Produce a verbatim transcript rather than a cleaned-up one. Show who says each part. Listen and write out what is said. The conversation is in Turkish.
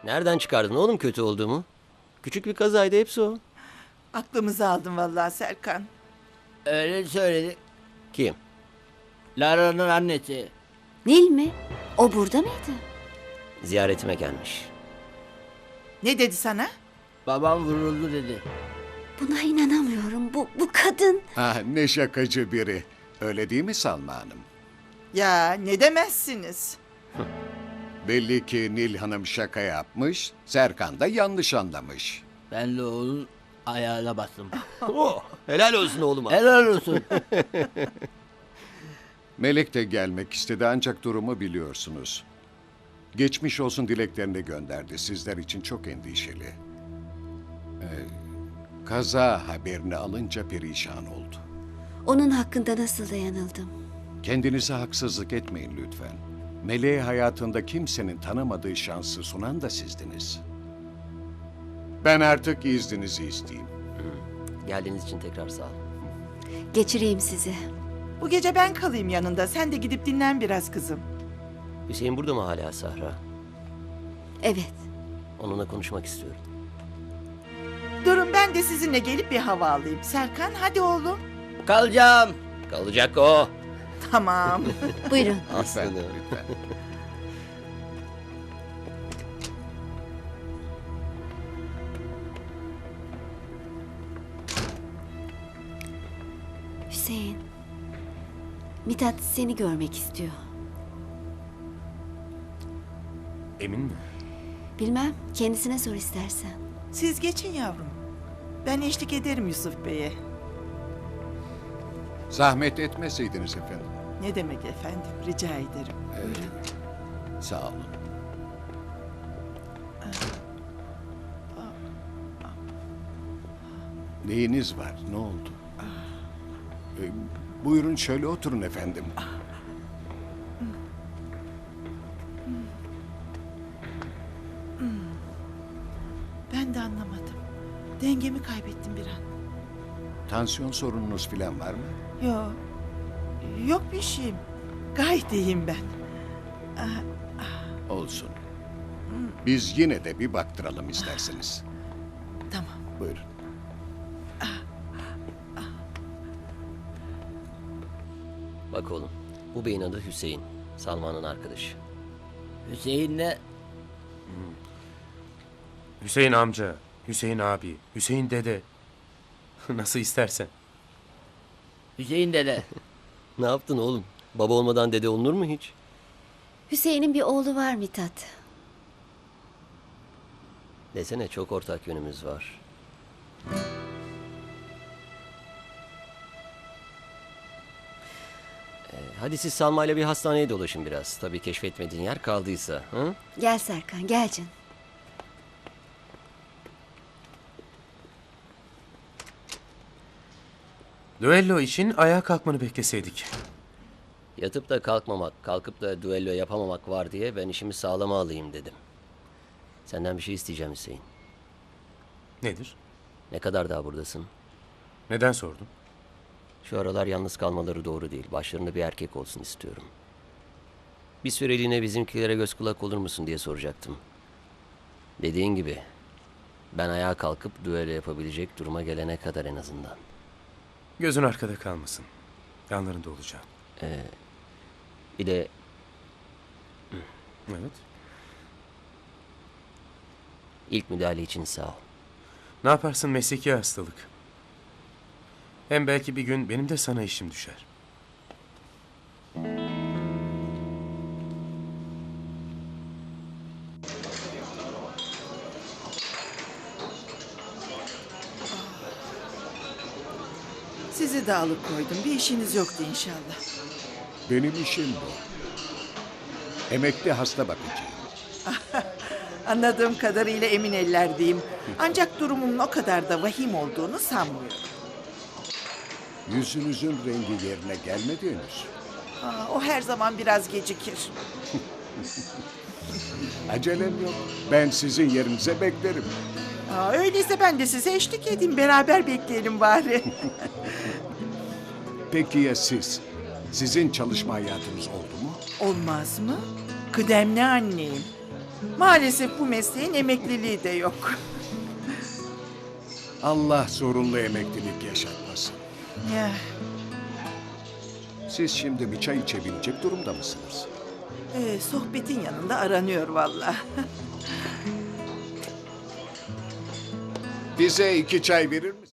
Speaker 1: Nereden çıkardın oğlum kötü olduğumu? Küçük bir kazaydı, hepsi o.
Speaker 2: Aklımızı aldın vallahi Serkan.
Speaker 3: Öyle söyledi.
Speaker 1: Kim?
Speaker 3: Lara'nın annesi.
Speaker 4: Nil mi? O burada mıydı?
Speaker 1: Ziyaretime gelmiş.
Speaker 2: Ne dedi sana?
Speaker 3: Babam vuruldu dedi.
Speaker 4: Buna inanamıyorum. Bu, bu kadın.
Speaker 5: Ah, ne şakacı biri. Öyle değil mi Salma Hanım?
Speaker 2: Ya ne demezsiniz?
Speaker 5: Belli ki Nil Hanım şaka yapmış, Serkan da yanlış anlamış.
Speaker 3: Ben de onun ayağına bastım.
Speaker 1: Oh, helal olsun oğluma.
Speaker 3: Helal olsun.
Speaker 5: Melek de gelmek istedi ancak durumu biliyorsunuz. Geçmiş olsun dileklerini gönderdi. Sizler için çok endişeli. Ee, kaza haberini alınca perişan oldu.
Speaker 4: Onun hakkında nasıl da yanıldım.
Speaker 5: Kendinize haksızlık etmeyin lütfen. Meleğe hayatında kimsenin tanımadığı şansı sunan da sizdiniz. Ben artık izninizi isteyeyim.
Speaker 1: Geldiğiniz için tekrar sağ ol.
Speaker 4: Geçireyim sizi.
Speaker 2: Bu gece ben kalayım yanında. Sen de gidip dinlen biraz kızım.
Speaker 1: Hüseyin burada mı hala Sahra?
Speaker 4: Evet.
Speaker 1: Onunla konuşmak istiyorum.
Speaker 2: Durun ben de sizinle gelip bir hava alayım. Serkan hadi oğlum.
Speaker 3: Kalacağım.
Speaker 1: Kalacak o.
Speaker 2: Tamam.
Speaker 4: Buyurun.
Speaker 5: Lütfen,
Speaker 1: Aslanım.
Speaker 5: lütfen.
Speaker 4: Hüseyin. Mithat seni görmek istiyor.
Speaker 6: Emin mi?
Speaker 4: Bilmem. Kendisine sor istersen.
Speaker 2: Siz geçin yavrum. Ben eşlik ederim Yusuf Bey'e.
Speaker 5: Zahmet etmeseydiniz efendim.
Speaker 2: Ne demek efendim? Rica ederim.
Speaker 5: Evet. Sağ olun. Neyiniz var? Ne oldu? Ee, buyurun şöyle oturun efendim.
Speaker 2: Ben de anlamadım. Dengemi kaybettim bir an.
Speaker 5: Tansiyon sorununuz falan var mı?
Speaker 2: Yok. Yok bir şeyim. Gayet iyiyim ben.
Speaker 5: Olsun. Biz yine de bir baktıralım isterseniz.
Speaker 2: Tamam.
Speaker 5: Buyurun.
Speaker 1: Bak oğlum, bu beyin adı Hüseyin. Salman'ın arkadaşı.
Speaker 3: Hüseyin'le
Speaker 6: Hüseyin amca, Hüseyin abi, Hüseyin dede. Nasıl istersen.
Speaker 3: Hüseyin dede.
Speaker 1: Ne yaptın oğlum? Baba olmadan dede olunur mu hiç?
Speaker 4: Hüseyin'in bir oğlu var Mithat.
Speaker 1: Desene, çok ortak yönümüz var. Ee, hadi siz Salma'yla bir hastaneye dolaşın biraz. Tabii keşfetmediğin yer kaldıysa. Hı?
Speaker 4: Gel Serkan gel canım.
Speaker 6: Düello için ayağa kalkmanı bekleseydik.
Speaker 1: Yatıp da kalkmamak, kalkıp da düello yapamamak var diye ben işimi sağlama alayım dedim. Senden bir şey isteyeceğim Hüseyin.
Speaker 6: Nedir?
Speaker 1: Ne kadar daha buradasın?
Speaker 6: Neden sordun?
Speaker 1: Şu aralar yalnız kalmaları doğru değil. Başlarında bir erkek olsun istiyorum. Bir süreliğine bizimkilere göz kulak olur musun diye soracaktım. Dediğin gibi ben ayağa kalkıp düello yapabilecek duruma gelene kadar en azından.
Speaker 6: Gözün arkada kalmasın. Yanlarında olacağım.
Speaker 1: Bir de
Speaker 6: Evet.
Speaker 1: ilk müdahale için sağ ol.
Speaker 6: Ne yaparsın, mesleki hastalık. Hem belki bir gün benim de sana işim düşer.
Speaker 2: Sizi de alıp koydum. Bir işiniz yoktu inşallah.
Speaker 5: Benim işim bu. Emekli hasta bakıcı.
Speaker 2: Anladığım kadarıyla emin ellerdeyim. Ancak durumumun o kadar da vahim olduğunu sanmıyorum.
Speaker 5: Yüzünüzün rengi yerine gelmedi henüz.
Speaker 2: Aa, o her zaman biraz gecikir.
Speaker 5: Acelem yok. Ben sizin yerinize beklerim.
Speaker 2: Aa, öyleyse ben de size eşlik edeyim. Beraber bekleyelim bari.
Speaker 5: Peki ya siz? Sizin çalışma hayatınız oldu mu?
Speaker 2: Olmaz mı? Kıdemli anneyim. Maalesef bu mesleğin emekliliği de yok.
Speaker 5: Allah zorunlu emeklilik yaşatmasın.
Speaker 2: Ya,
Speaker 5: Siz şimdi bir çay içebilecek durumda mısınız?
Speaker 2: e, sohbetin yanında aranıyor vallahi.
Speaker 5: Bize iki çay verir misiniz?